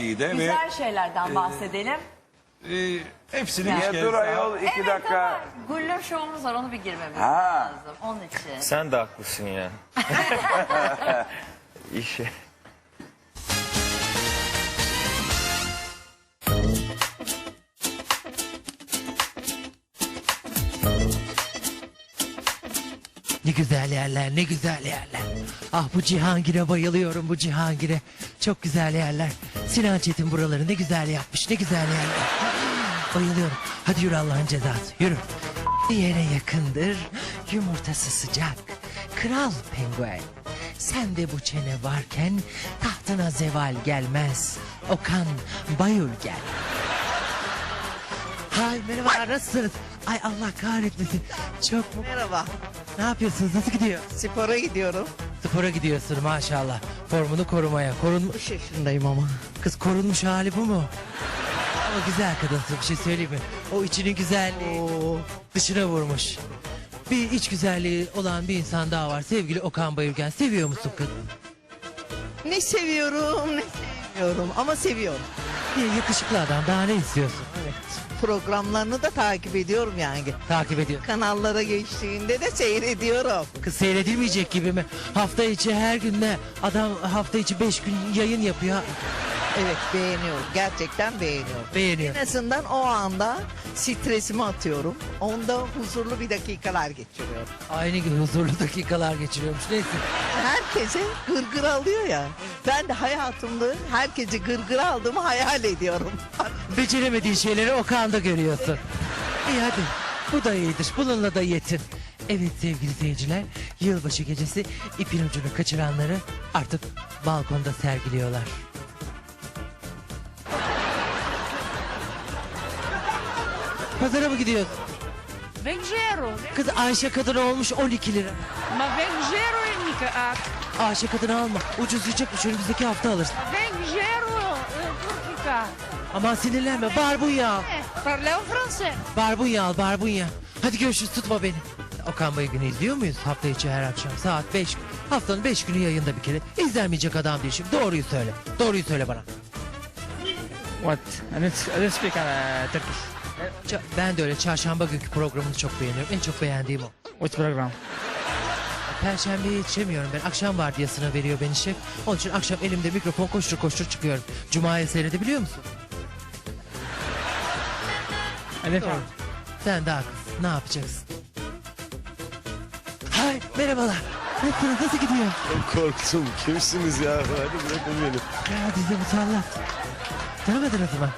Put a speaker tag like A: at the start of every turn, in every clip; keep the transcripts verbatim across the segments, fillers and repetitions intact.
A: iyi de ve
B: Güzel şeylerden bahsedelim.
A: e, hepsini
B: Ya
A: bir
C: Ya
A: kez
C: dur
A: daha-
C: ayol iki
B: Evet
C: dakika.
B: ama Guller şovumuz var, onu bir girmemiz
C: Ha.
B: lazım. Onun için.
D: Sen de haklısın ya. İşe.
E: Ne güzel yerler, ne güzel yerler. Ah bu Cihangir'e bayılıyorum, bu Cihangir'e. Çok güzel yerler. Sinan Çetin buraları ne güzel yapmış, ne güzel yerler. Bayılıyorum. Hadi yürü Allah'ın cezası, yürü. Yere yakındır, yumurtası sıcak. Kral penguen. Sen de bu çene varken tahtına zeval gelmez. Okan Bayül gel. Hay merhaba, nasılsınız? Ay Allah kahretmesin. Çok mu?
F: Merhaba.
E: Ne yapıyorsunuz? Nasıl gidiyor?
F: Spora gidiyorum.
E: Spora gidiyorsun maşallah. Formunu korumaya. Korun...
F: üç yaşındayım ama.
E: Kız korunmuş hali bu mu? Ama güzel kadınsın, bir şey söyleyeyim mi? O içinin güzelliği dışına vurmuş. Bir iç güzelliği olan bir insan daha var. Sevgili Okan Bayülgen. Seviyor musun kız?
F: Ne seviyorum ne sevmiyorum ama seviyorum.
E: Bir yakışıklı adam, daha ne istiyorsun?
F: Evet. Programlarını da takip ediyorum yani.
E: Takip ediyor.
F: Kanallara geçtiğinde de seyrediyorum.
E: Kız seyredilmeyecek gibi mi? Hafta içi her gün ne? Adam hafta içi beş gün yayın yapıyor.
F: Evet beğeniyorum. Gerçekten beğeniyorum.
E: Beğeniyor.
F: En azından o anda stresimi atıyorum. Onda huzurlu bir dakikalar geçiriyorum.
E: Aynı gün huzurlu dakikalar geçiriyormuş. Neyse.
F: Herkese gırgır alıyor ya. Ben de hayatımda herkese gırgır aldığımı hayal ediyorum.
E: Beceremediğin şeyleri Okan'da görüyorsun. İyi hadi. Bu da iyidir. Bununla da yetin. Evet sevgili seyirciler. Yılbaşı gecesi ipin ucunu kaçıranları artık balkonda sergiliyorlar. Pazara mı gidiyorsun?
G: Vengero,
E: Kız Ayşe kadın olmuş on iki lira.
G: ma Vengero è mica ah,
E: Ayşe kadın alma. Ucuzlayacakmış. Önümüzdeki hafta alırsın.
G: Vengero eh, Turkica.
E: Aman sinirlenme. Barbunya al.
G: Eh, parliamo francese.
E: Barbunya al. Barbunya. Hadi görüşürüz. Tutma beni. Okan Bayülgen'i izliyor muyuz? Hafta içi her akşam saat beş. Haftanın beş günü yayında bir kere. İzlenmeyecek adam değil şimdi. Doğruyu söyle. Doğruyu söyle bana.
H: What? I don't, I don't speak uh, Turkish.
E: Ça- Ben de öyle çarşamba günkü programını çok beğeniyorum. En çok beğendiğim o.
H: What program?
E: Perşembeye yetişemiyorum ben. Akşam vardiyasına veriyor beni şef. Onun için akşam elimde mikrofon koştur koştur çıkıyorum. Cuma'ya seyredebiliyor musun?
H: I don't know.
E: Sen daha kız. Ne yapacaksın? Hay merhabalar. Nasılsınız? Nasıl gidiyor?
I: Korktum. Kimsiniz ya? Hadi bırakın beni.
E: Ya dizi musallat. Tanımadınız mı?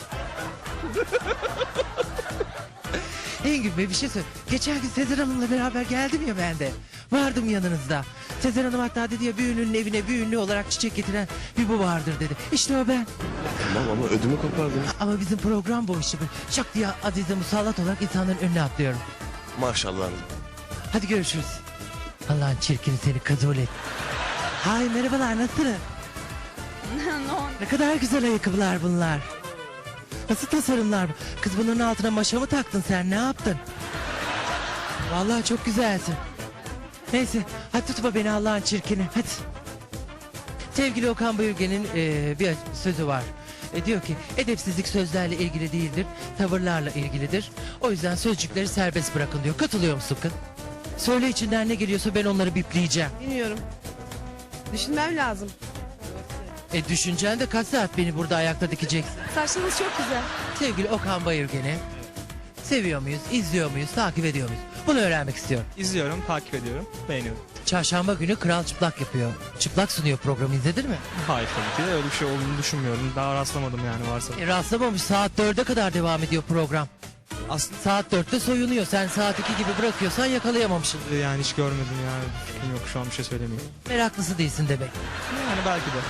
E: Engin Bey bir şey söyle. Geçen gün Sezer Hanım'la beraber geldim ya ben de. Vardım yanınızda. Sezer Hanım hatta dedi ya bir ünlünün evine bir ünlü olarak çiçek getiren bir bu vardır dedi. İşte o ben.
I: Tamam ama ödümü kopardın.
E: Ama bizim program bu işi. Şak diye Azize musallat olarak insanların önüne atlıyorum.
I: Maşallah.
E: Hadi görüşürüz. Allah'ın çirkini seni kabul et. Hay merhabalar nasılsın? Ne kadar güzel ayakkabılar bunlar. Nasıl tasarımlar bu? Kız bunların altına maşa mı taktın sen ne yaptın? Vallahi çok güzelsin. Neyse hadi tutma beni Allah'ın çirkini hadi. Sevgili Okan Bayülgen'in eee, bir sözü var. E, diyor ki edepsizlik sözlerle ilgili değildir, tavırlarla ilgilidir. O yüzden sözcükleri serbest bırakın diyor. Katılıyor musun kız? Söyle içinden ne geliyorsa ben onları bipleyeceğim.
J: Bilmiyorum. Düşünmem lazım.
E: E düşüncen de kaç saat beni burada ayakta dikeceksin?
J: Saçlarınız çok güzel.
E: Sevgili Okan Bayülgen'i seviyor muyuz, izliyor muyuz, takip ediyor muyuz? Bunu öğrenmek istiyorum.
H: İzliyorum, takip ediyorum, beğeniyorum.
E: Çarşamba günü Kral Çıplak yapıyor. Çıplak sunuyor programı izledin mi?
H: Hayır tabii ki de öyle bir şey olduğunu düşünmüyorum. Daha rastlamadım yani varsa.
E: E, rastlamamış saat dörde kadar devam ediyor program.
H: Aslında
E: Saat dörtte soyunuyor. Sen saat iki gibi bırakıyorsan yakalayamamışsın.
H: yani hiç görmedim yani. Fikrim yok şu an bir şey söylemiyorum.
E: Meraklısı değilsin demek.
H: Yani belki de.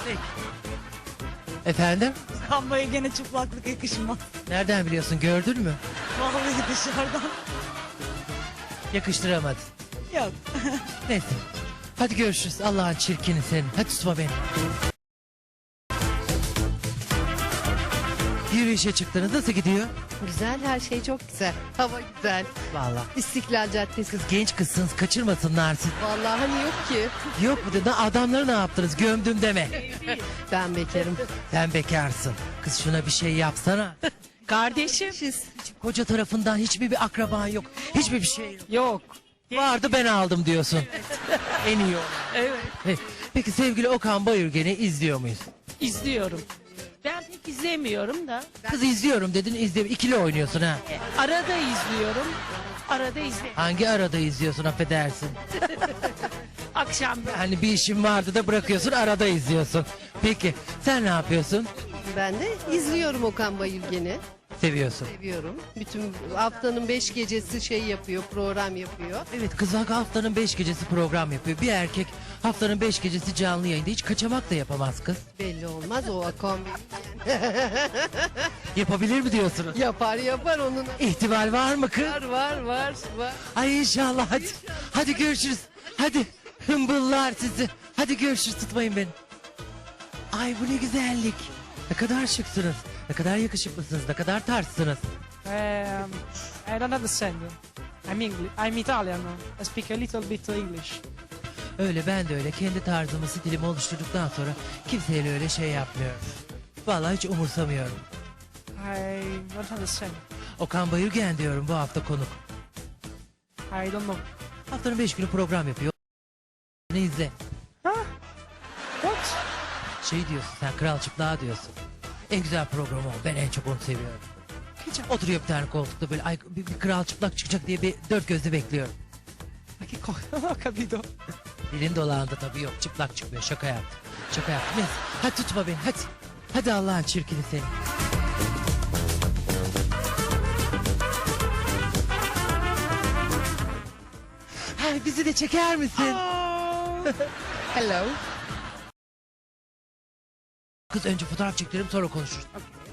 E: Efendim?
J: Kambaya gene çıplaklık yakışmaz.
E: Nereden biliyorsun gördün mü?
J: Vallahi dışarıdan.
E: Yakıştıramadın.
J: Yok.
E: Neyse. Hadi görüşürüz. Allah'ın çirkini senin. Hadi tutma beni. Yürüyüşe çıktınız. Nasıl gidiyor?
C: Güzel, her şey çok güzel. Hava güzel.
E: Vallahi.
C: İstiklal Caddesi.
E: Kız genç kızsınız kaçırmasınlar siz.
C: Vallahi hani yok ki.
E: Yok mu dedi adamları ne yaptınız gömdüm deme.
C: Ben bekarım.
E: Sen bekarsın. Kız şuna bir şey yapsana.
G: Kardeşim.
E: Koca tarafından hiçbir bir akraban yok. Hiçbir bir şey yok.
G: Yok.
E: Vardı ben aldım diyorsun. En iyi o.
G: Evet.
E: Hey, peki sevgili Okan Bayülgen'i izliyor muyuz?
G: İzliyorum. Ben pek izlemiyorum da.
E: Kız izliyorum dedin izliyorum. İkili oynuyorsun ha.
G: Arada izliyorum. Arada izliyorum.
E: Hangi arada izliyorsun affedersin?
G: Akşam
E: Hani bir işin vardı da bırakıyorsun arada izliyorsun. Peki sen ne yapıyorsun?
C: Ben de izliyorum Okan Bayülgen'i.
E: Seviyorsun.
C: Seviyorum. Bütün haftanın beş gecesi şey yapıyor, program yapıyor.
E: Evet kız haftanın beş gecesi program yapıyor. Bir erkek haftanın beş gecesi canlı yayında hiç kaçamak da yapamaz kız.
C: Belli olmaz o Okan
E: Yapabilir mi diyorsunuz?
C: yapar yapar onun.
E: İhtimal var mı kız?
C: Var var var var.
E: Ay inşallah hadi. Hadi görüşürüz. Hadi hımbıllar sizi. Hadi görüşürüz tutmayın beni. Ay bu ne güzellik. Ne kadar şıksınız. Ne kadar yakışıklısınız. Ne kadar tarzsınız.
G: Um, I don't understand you. I'm English. I'm Italian. I speak a little bit English.
E: Öyle ben de öyle kendi tarzımı stilimi oluşturduktan sonra kimseyle öyle şey yapmıyorum. Vallahi hiç umursamıyorum.
G: I don't understand.
E: Okan Bayülgen diyorum bu hafta konuk.
G: I don't know.
E: Haftanın beş günü program yapıyor. Ne izle.
G: What?
E: Şey diyorsun sen Kral Çıplak diyorsun. En güzel program o. Ben en çok onu seviyorum. Oturuyor bir tane koltukta böyle ay, bir, bir Kral Çıplak çıkacak diye bir dört gözle bekliyorum.
G: Ma che cosa? Non ho capito.
E: Dilin dolandı tabii yok çıplak çıkmıyor şaka yaptım. Şaka yaptım neyse hadi tutma beni hadi. Hadi Allah'ın çirkini seni. Ay bizi de çeker misin?
C: Hello.
E: Kız önce fotoğraf çekelim sonra konuşuruz.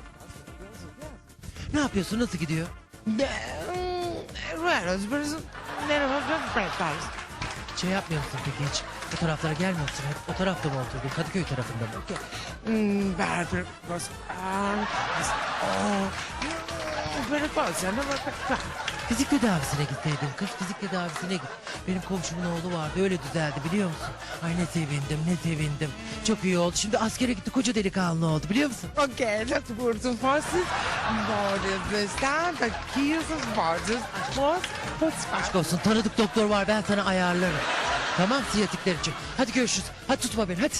E: Ne yapıyorsun nasıl gidiyor? Şey yapmıyor musun peki hiç? O taraflara gelmiyor musun? Hep o tarafta mı oturdun? Kadıköy tarafında mı? Fizik tedavisine gitseydin kız fizik tedavisine git. Benim komşumun oğlu vardı öyle düzeldi biliyor musun? Ay ne sevindim ne sevindim. Çok iyi oldu. Şimdi askere gitti koca delikanlı oldu biliyor musun?
D: Ok, dat wordt een vaste borden bestaan. Dat kiezers borden. Wat?
E: Aşk olsun tanıdık doktor var ben sana ayarlarım. Tamam siyatikler için. Hadi görüşürüz. Hadi tutma beni hadi.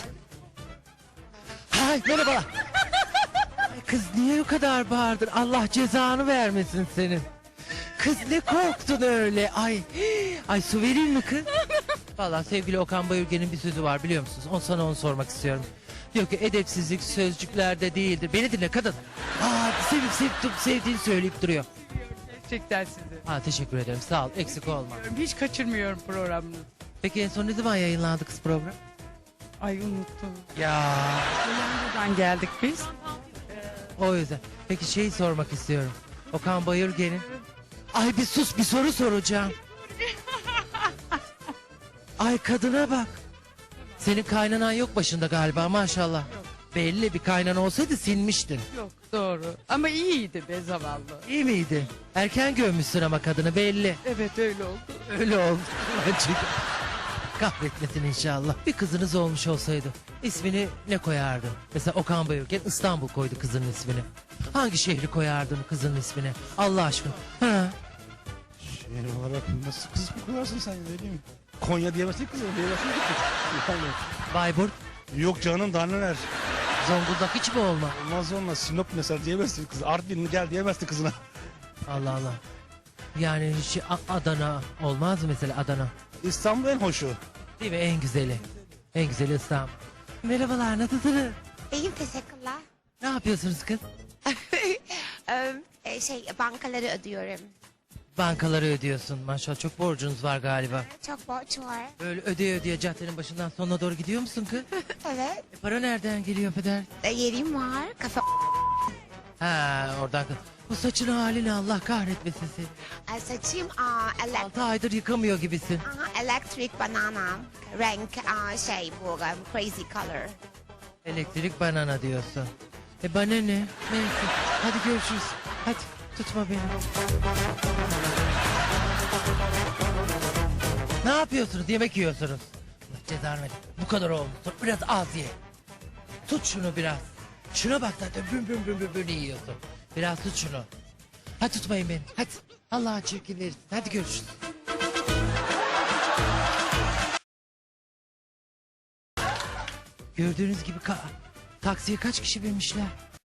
E: Hay merhabalar. Ay kız niye o kadar bağırdın? Allah cezanı vermesin senin. Kız ne korktun öyle? Ay ay su vereyim mi kız? Vallahi sevgili Okan Bayülgen'in bir sözü var biliyor musunuz? On sana onu sormak istiyorum. Diyor ki edepsizlik sözcüklerde değildir. Beni dinle kadın. Aa sevip sevip sevdiğini söyleyip duruyor.
D: Gerçekten sizi.
E: Ha teşekkür ederim sağ ol eksik olma.
D: Hiç kaçırmıyorum programını.
E: Peki en son ne zaman yayınlandı kız program?
D: Ay unuttum.
E: Ya
D: Buradan geldik biz.
E: o yüzden. Peki şeyi sormak istiyorum. Okan Bayülgen'in. Ay bir sus bir soru soracağım. Ay kadına bak. Senin kaynanan yok başında galiba maşallah. Belli bir kaynan olsaydı silmiştin.
D: Yok doğru. Ama iyiydi be zavallı.
E: İyi miydi? Erken gömmüşsün ama kadını belli.
D: Evet öyle oldu.
E: Öyle oldu. Çünkü kahretmesin inşallah. Bir kızınız olmuş olsaydı ismini ne koyardın? Mesela Okan Bayülgen İstanbul koydu kızının ismini. Hangi şehri koyardın kızının ismini? Allah aşkına. Ha?
A: Şehir olarak nasıl kız mı koyarsın sen öyle değil mi? Konya diyemezsin kız diyemezsin ki. Yani,
E: Bayburt,
A: yok canım daha neler.
E: Zonguldak hiç mi olma?
A: Olmaz olmaz Sinop mesela diyemezsin kız. Artvin gel diyemezsin kızına.
E: Allah Allah. Yani hiç A- Adana olmaz mı mesela Adana?
A: İstanbul en hoşu.
E: Değil mi en güzeli? En güzeli İstanbul. Merhabalar nasılsınız?
K: İyiyim teşekkürler.
E: Ne yapıyorsunuz kız?
K: Ee, şey bankaları ödüyorum.
E: Bankaları ödüyorsun maşallah çok borcunuz var galiba.
K: Çok borç var.
E: Böyle ödeye ödeye caddenin başından sonuna doğru gidiyor musun kız?
K: Evet.
E: E, para nereden geliyor peder?
K: E, yerim var. Kafa
E: Ha oradan. Bu saçın halini Allah kahretmesin seni.
K: e, saçım aa, elek
E: Altı aydır yıkamıyor gibisin.
K: aha, electric banana. Renk aa, şey bu um, crazy color.
E: Elektrik banana diyorsun. E bana ne? Neyse. Hadi görüşürüz. Hadi Tutma beni. Ne yapıyorsunuz? Yemek yiyorsunuz. Allah cezanı verin. Bu kadar olmuş. Biraz az ye. Tut şunu biraz. Şuna bak zaten büm büm büm büm büm yiyorsun. Biraz tut şunu. Hadi tutmayın beni. Hadi. Allah'ın çirkinleri. Hadi görüşürüz. Gördüğünüz gibi ka taksiye kaç kişi binmişler?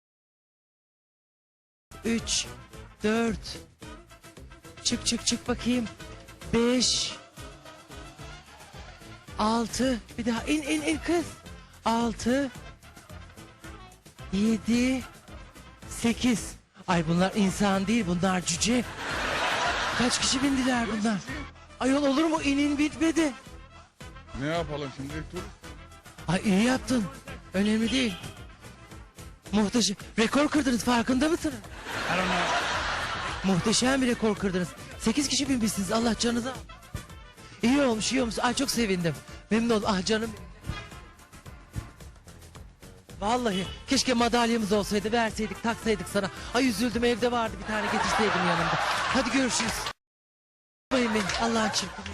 E: Üç, dört. Çık çık çık bakayım. Beş. Altı. Bir daha in in in kız. Altı. Yedi. Sekiz. Ay bunlar insan değil, bunlar cüce. Kaç kişi bindiler bunlar? Ayol olur mu? İnin bitmedi.
L: Ne yapalım şimdi tur?
E: Ay iyi yaptın. Önemli değil. Muhteşem. Rekor kırdınız, farkında mısınız? Muhteşem bir rekor kırdınız. Sekiz kişi binmişsiniz, Allah canınıza. İyi olmuş, iyi olmuş. Ay çok sevindim. Memnun oldum. Ah canım. Vallahi keşke madalyamız olsaydı, verseydik, taksaydık sana. Ay üzüldüm, evde vardı, bir tane getirseydim yanımda. Hadi görüşürüz. Bayım beni, Allah'ın çırpını.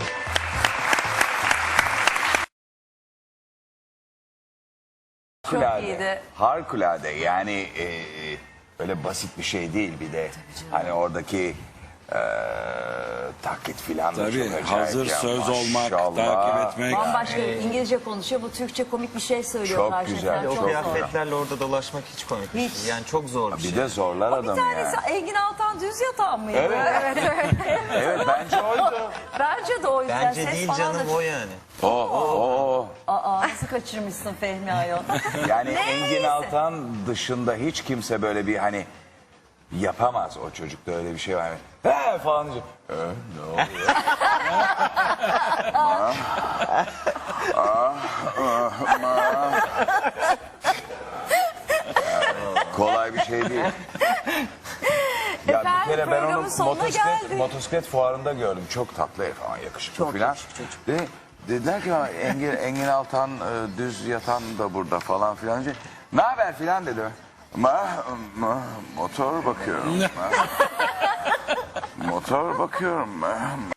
B: Çok iyiydi.
M: Harikulade yani e, böyle basit bir şey değil bir de hani oradaki e, taklit filan da
N: Tabii,
M: çok acayip
N: hazır
M: ya,
N: söz olmak,
M: maşallah.
N: takip etmek.
B: Bambaşka İngilizce konuşuyor. Bu Türkçe komik bir şey söylüyor
M: Çok
B: karşıdan.
M: güzel,
B: Çok
M: çok
B: zor.
O: Kıyafetlerle orada dolaşmak hiç komik. bir
B: Hiç.
O: şey. Yani çok zor bir,
M: Bir
O: şey.
M: de zorlar
B: Bir
M: adamı
B: tanesi
M: yani.
B: Engin Altan düz yatan mıydı?
M: Evet.
B: evet. evet.
M: Evet bence oydu.
B: Bence de o yüzden.
O: Bence
B: ses
O: değil
B: falan
O: canım
B: da...
O: o yani.
M: O, o, o.
B: Aa, nasıl kaçırmışsın Fehmi Ayol?
M: Yani
B: Neyse.
M: Engin Altan dışında hiç kimse böyle bir hani yapamaz o çocukta öyle bir şey var. He falan diyecek. Ee, ne oluyor? Ma, ah, ah, ma. Kolay bir şey değil. Ya
B: Efendim,
M: bir kere ben onu
B: programın sonuna
M: motosiklet,
B: geldik.
M: motosiklet fuarında gördüm. Çok tatlı herif falan, yakışıklı
B: Çok
M: falan.
B: yakışıklı çocuk.
M: De, dediler ki bana, Engin, Engin Altan e, düz yatan da burada falan filan. Ne haber filan dedi. Ma, ma, motor bakıyorum. Ma. Motor bakıyorum. Ma.